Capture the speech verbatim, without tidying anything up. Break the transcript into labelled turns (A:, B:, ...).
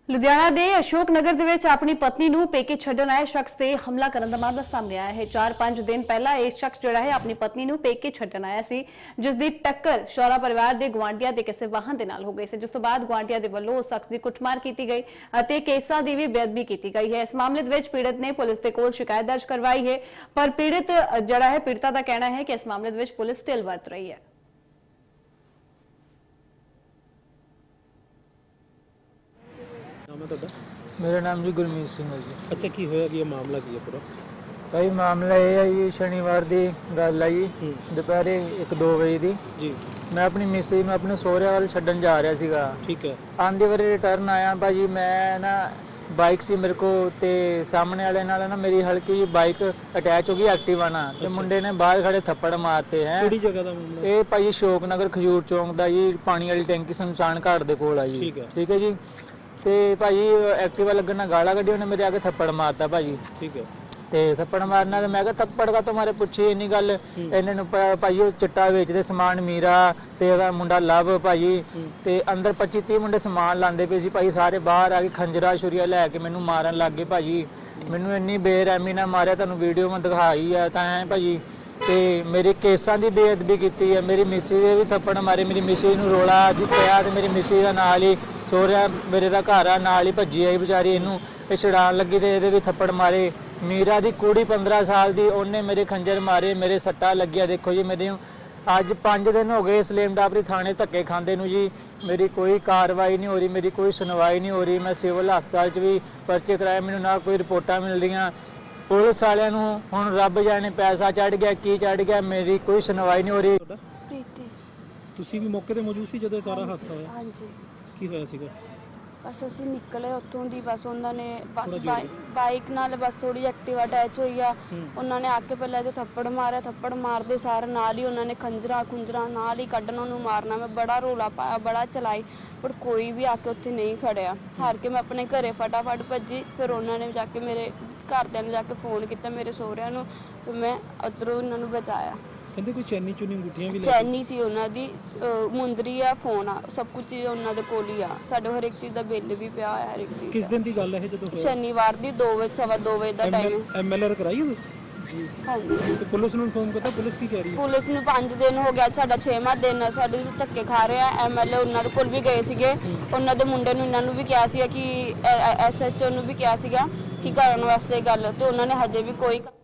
A: ਲੁਧਿਆਣਾ ਦੇ ਅਸ਼ੋਕ ਨਗਰ ਦੇ ਵਿੱਚ ਆਪਣੀ ਪਤਨੀ ਨੂੰ ਪੇਕੇ ਛੱਡਣ ਆਏ ਸ਼ਖਸ ਤੇ ਹਮਲਾ ਕਰਨ ਦਾ ਮਾਮਲਾ ਸਾਹਮਣੇ ਆਇਆ ਹੈ। ਚਾਰ ਪੰਜ ਦਿਨ ਪਹਿਲਾਂ ਇਹ ਸ਼ਖਸ ਜਿਹੜਾ ਹੈ ਆਪਣੀ ਪਤਨੀ ਨੂੰ ਪੇਕੇ ਛੱਡਣ ਆਇਆ ਸੀ, ਜਿਸ ਦੀ ਟੱਕਰ ਸ਼ੌਰਾ ਪਰਿਵਾਰ ਦੇ ਗੁਆਂਢੀਆਂ ਦੇ ਕਿਸੇ ਵਾਹਨ ਦੇ ਨਾਲ ਹੋ ਗਈ ਸੀ, ਜਿਸ ਤੋਂ ਬਾਅਦ ਗੁਆਂਢੀਆਂ ਦੇ ਵੱਲੋਂ ਉਸ ਸ਼ਖਸ ਦੀ ਕੁੱਟਮਾਰ ਕੀਤੀ ਗਈ ਅਤੇ ਕੇਸਾਂ ਦੀ ਵੀ ਬੇਅਦਬੀ ਕੀਤੀ ਗਈ ਹੈ। ਇਸ ਮਾਮਲੇ ਦੇ ਵਿੱਚ ਪੀੜਤ ਨੇ ਪੁਲਿਸ ਦੇ ਕੋਲ ਸ਼ਿਕਾਇਤ ਦਰਜ ਕਰਵਾਈ ਹੈ, ਪਰ ਪੀੜਤ ਜਿਹੜਾ ਹੈ ਪੀੜਤਾ ਦਾ ਕਹਿਣਾ ਹੈ ਕਿ ਇਸ ਮਾਮਲੇ ਦੇ ਵਿੱਚ ਪੁਲਿਸ ਢਿੱਲ ਵਰਤ ਰਹੀ ਹੈ।
B: मेरा नाम जी गुरमीत सिंह है जी।
C: अच्छा की होया कि मामला की है पूरा
B: भाई मामला ये है जी शनिवार की गल है जी दोपहर एक दो बजे की
C: जी
B: मैं अपनी मिसेज में अपने सोहरे वाल छड्डन जा रहा सीगा।
C: ठीक है
B: आंदे वारी रिटर्न आया भाजी मैं ना बाइक सी मेरे को ते सामने वाले नाल ना मेरी हल्की जी बाइक अटैच हो गई एक्टिवा ना ते मुंडे ने बाहर खड़े थप्पड़ मारते हैं।
C: ਕਿਹੜੀ ਜਗ੍ਹਾ ਦਾ ਮਾਮਲਾ
B: ਇਹ ਭਾਜੀ ਅਸ਼ੋਕ ਨਗਰ ਖਜੂਰ ਚੌਂਕ ਦਾ ਜੀ ਪਾਣੀ ਵਾਲੀ ਟੈਂਕੀ ਸ਼ਮਸ਼ਾਨ ਘਾਟ ਦੇ ਕੋਲ ਆ ਜੀ।
C: ਠੀਕ ਹੈ
B: ਠੀਕ ਹੈ ਜੀ ਤੇ ਭਾਜੀ ਐਕਟਿਵਾ ਲੱਗਣ ਨਾਲ ਗਾਲਾਂ ਕੱਢੀ ਉਹਨੇ ਮੇਰੇ ਆ ਕੇ ਥੱਪੜ ਮਾਰਤਾ ਭਾਜੀ।
C: ਠੀਕ ਹੈ
B: ਤੇ ਥੱਪੜ ਮਾਰਨਾ ਤੇ ਮੈਂ ਕਿਹਾ ਥੱਪੜ ਕਾ ਤੁਹਾਰੇ ਪੁੱਛੀ ਇੰਨੀ ਗੱਲ ਇਹਨਾਂ ਨੂੰ ਭਾਜੀ ਉਹ ਚਿੱਟਾ ਵੇਚਦੇ ਸਮਾਨ ਮੀਰਾ ਤੇ ਉਹਦਾ ਮੁੰਡਾ ਲਵ ਭਾਜੀ ਤੇ ਅੰਦਰ ਪੱਚੀ ਤੀਹ ਮੁੰਡੇ ਸਮਾਨ ਲਾਉਂਦੇ ਪਏ ਸੀ ਭਾਜੀ। ਸਾਰੇ ਬਾਹਰ ਆ ਕੇ ਖੰਜਰਾ ਛੁਰੀਆ ਲੈ ਕੇ ਮੈਨੂੰ ਮਾਰਨ ਲੱਗ ਗਏ ਭਾਜੀ। ਮੈਨੂੰ ਇੰਨੀ ਬੇਰਹਿਮੀ ਨਾਲ ਮਾਰਿਆ, ਤੁਹਾਨੂੰ ਵੀਡੀਓ ਮੈਂ ਦਿਖਾਈ ਆ ਤਾਂ ਐ ਭਾਜੀ। ਤੇ ਮੇਰੇ ਕੇਸਾਂ ਦੀ ਬੇਅਦਬੀ ਕੀਤੀ ਹੈ, ਮੇਰੀ ਮਿਸੀ ਦੇ ਵੀ ਥੱਪੜ ਮਾਰੇ, ਮੇਰੀ ਮਿਸੀ ਨੂੰ ਰੋਲਾ ਅੱਜ ਪਿਆ ਤੇ ਮੇਰੀ ਮਿਸੀ ਦਾ ਨਾਲ ਹੀ ਸੋਹਰਿਆ ਮੇਰੇ ਦਾ ਘਰ ਆ ਨਾਲ ਹੀ ਭੱਜੀ ਆਈ ਵਿਚਾਰੀ, ਇਹਨੂੰ ਇਹ ਛਡਾਉਣ ਲੱਗੀ ਤੇ ਇਹਦੇ ਵੀ ਥੱਪੜ ਮਾਰੇ। ਮੀਰਾ ਦੀ ਕੁੜੀ ਪੰਦਰਾਂ ਸਾਲ ਦੀ, ਉਹਨੇ ਮੇਰੇ ਖੰਜਰ ਮਾਰੇ, ਮੇਰੇ ਸੱਟਾਂ ਲੱਗਿਆ। ਦੇਖੋ ਜੀ ਮੇਰੇ ਅੱਜ ਪੰਜ ਦਿਨ ਹੋ ਗਏ ਸਲੇਮ ਡਾਬਰੀ ਥਾਣੇ ਧੱਕੇ ਖਾਂਦੇ ਨੂੰ ਜੀ। ਮੇਰੀ ਕੋਈ ਕਾਰਵਾਈ ਨਹੀਂ ਹੋ ਰਹੀ, ਮੇਰੀ ਕੋਈ ਸੁਣਵਾਈ ਨਹੀਂ ਹੋ ਰਹੀ। ਮੈਂ ਸਿਵਲ ਹਸਪਤਾਲ 'ਚ ਵੀ ਪਰਚੇ ਕਰਾਏ, ਮੈਨੂੰ ਨਾ ਕੋਈ ਰਿਪੋਰਟਾਂ ਮਿਲ ਰਹੀਆਂ। ਪੁਲਿਸ ਵਾਲਿਆਂ ਨੂੰ ਹੁਣ ਰੱਬ ਜਾਣੇ ਪੈਸਾ ਚੜ ਗਿਆ ਕੀ ਚੜ ਗਿਆ, ਮੇਰੀ ਕੋਈ ਸੁਣਵਾਈ ਨਹੀਂ ਹੋ ਰਹੀ।
D: ਪ੍ਰੀਤੀ
C: ਤੁਸੀਂ ਵੀ ਮੌਕੇ ਤੇ ਮੌਜੂਦ ਸੀ ਜਦੋਂ ਇਹ ਸਾਰਾ ਹਾਦਸਾ ਹੋਇਆ?
D: ਹਾਂਜੀ
C: ਕੀ ਹੋਇਆ ਸੀਗਾ?
D: ਬਸ ਅਸੀਂ ਨਿਕਲੇ ਉੱਥੋਂ ਦੀ, ਬਸ ਉਹਨਾਂ ਨੇ ਬਸ ਬਾਈਕ ਨਾਲ ਬਸ ਥੋੜੀ ਐਕਟਿਵਾ ਅਟੈਚ ਹੋਈ ਆ। ਉਹਨਾਂ ਨੇ ਆ ਕੇ ਪਹਿਲਾਂ ਇਹਦੇ ਥੱਪੜ ਮਾਰਿਆ, ਥੱਪੜ ਮਾਰਦੇ ਸਾਰ ਨਾਲ ਹੀ ਉਹਨਾਂ ਨੇ ਖੰਜਰਾ ਖੁੰਜਰਾ ਨਾਲ ਹੀ ਕੱਢਣਾ ਉਹਨੂੰ ਮਾਰਨਾ। ਮੈਂ ਬੜਾ ਰੋਲਾ ਪਾਇਆ, ਬੜਾ ਚਲਾਈ, ਪਰ ਕੋਈ ਵੀ ਆ ਕੇ ਉੱਥੇ ਨਹੀਂ ਖੜਿਆ। ਹਾਰ ਕੇ ਮੈਂ ਆਪਣੇ ਘਰੇ ਫਟਾਫਟ ਭੱਜੀ। ਫਿਰ ਉਹਨਾਂ ਨੇ ਜਾ ਕੇ ਮੇਰੇ ਘਰਦਿਆਂ ਨੂੰ ਜਾ ਕੇ ਫੋਨ ਕੀਤਾ, ਮੇਰੇ ਸਹੁਰਿਆਂ ਨੂੰ, ਫਿਰ ਮੈਂ ਉੱਧਰੋਂ ਉਹਨਾਂ ਨੂੰ ਬਚਾਇਆ।
C: ਕਹਿੰਦੇ ਕੋਈ ਚੈਨੀ ਚੁਨੀ ਅੰਗੂਠੀਆਂ ਵੀ ਲੈ
D: ਚੈਨੀ ਸੀ ਉਹਨਾਂ ਦੀ, ਮੁੰਦਰੀ ਆ, ਫੋਨ ਆ, ਸਭ ਕੁਝ ਉਹਨਾਂ ਦੇ ਕੋਲ ਹੀ ਆ। ਸਾਡੇ ਹਰ ਇੱਕ ਚੀਜ਼ ਦਾ ਬਿੱਲ ਵੀ ਪਿਆ ਹੋਇਆ ਹਰ ਇੱਕ ਚੀਜ਼।
C: ਕਿਸ ਦਿਨ ਦੀ ਗੱਲ ਹੈ ਜਦੋਂ ਹੋਇਆ?
D: ਸ਼ਨੀਵਾਰ ਦੀ ਦੋ ਵਜੇ ਸਵਾ ਦੋ ਵਜੇ ਦਾ ਟਾਈਮ।
C: ਐਮਐਲਆਰ ਕਰਾਈ ਹੋ ਜੀ?
D: ਹਾਂਜੀ।
C: ਤੇ ਪੁਲਿਸ ਨੂੰ ਇਨਫੋਰਮ ਕਰਤਾ, ਪੁਲਿਸ ਕੀ ਕਹਿ ਰਹੀ ਹੈ?
D: ਪੁਲਿਸ ਨੂੰ ਪੰਜ ਦਿਨ ਹੋ ਗਿਆ, ਸਾਡਾ ਛੇਵਾਂ ਦਿਨ ਆ, ਸਾਡੇ ਧੱਕੇ ਖਾ ਰਹੇ ਆ। ਐਮਐਲਏ ਉਹਨਾਂ ਦੇ ਕੋਲ ਵੀ ਗਏ ਸੀਗੇ, ਉਹਨਾਂ ਦੇ ਮੁੰਡੇ ਨੂੰ ਇਹਨਾਂ ਨੂੰ ਵੀ ਕਿਹਾ ਸੀਗਾ ਕਿ ਐਸਐਚਓ ਨੂੰ ਵੀ ਕਿਹਾ ਸੀਗਾ ਕਿ ਕਰਨ ਵਾਸਤੇ ਗੱਲ, ਤੇ ਉਹਨਾਂ ਨੇ ਹਜੇ ਵੀ ਕੋਈ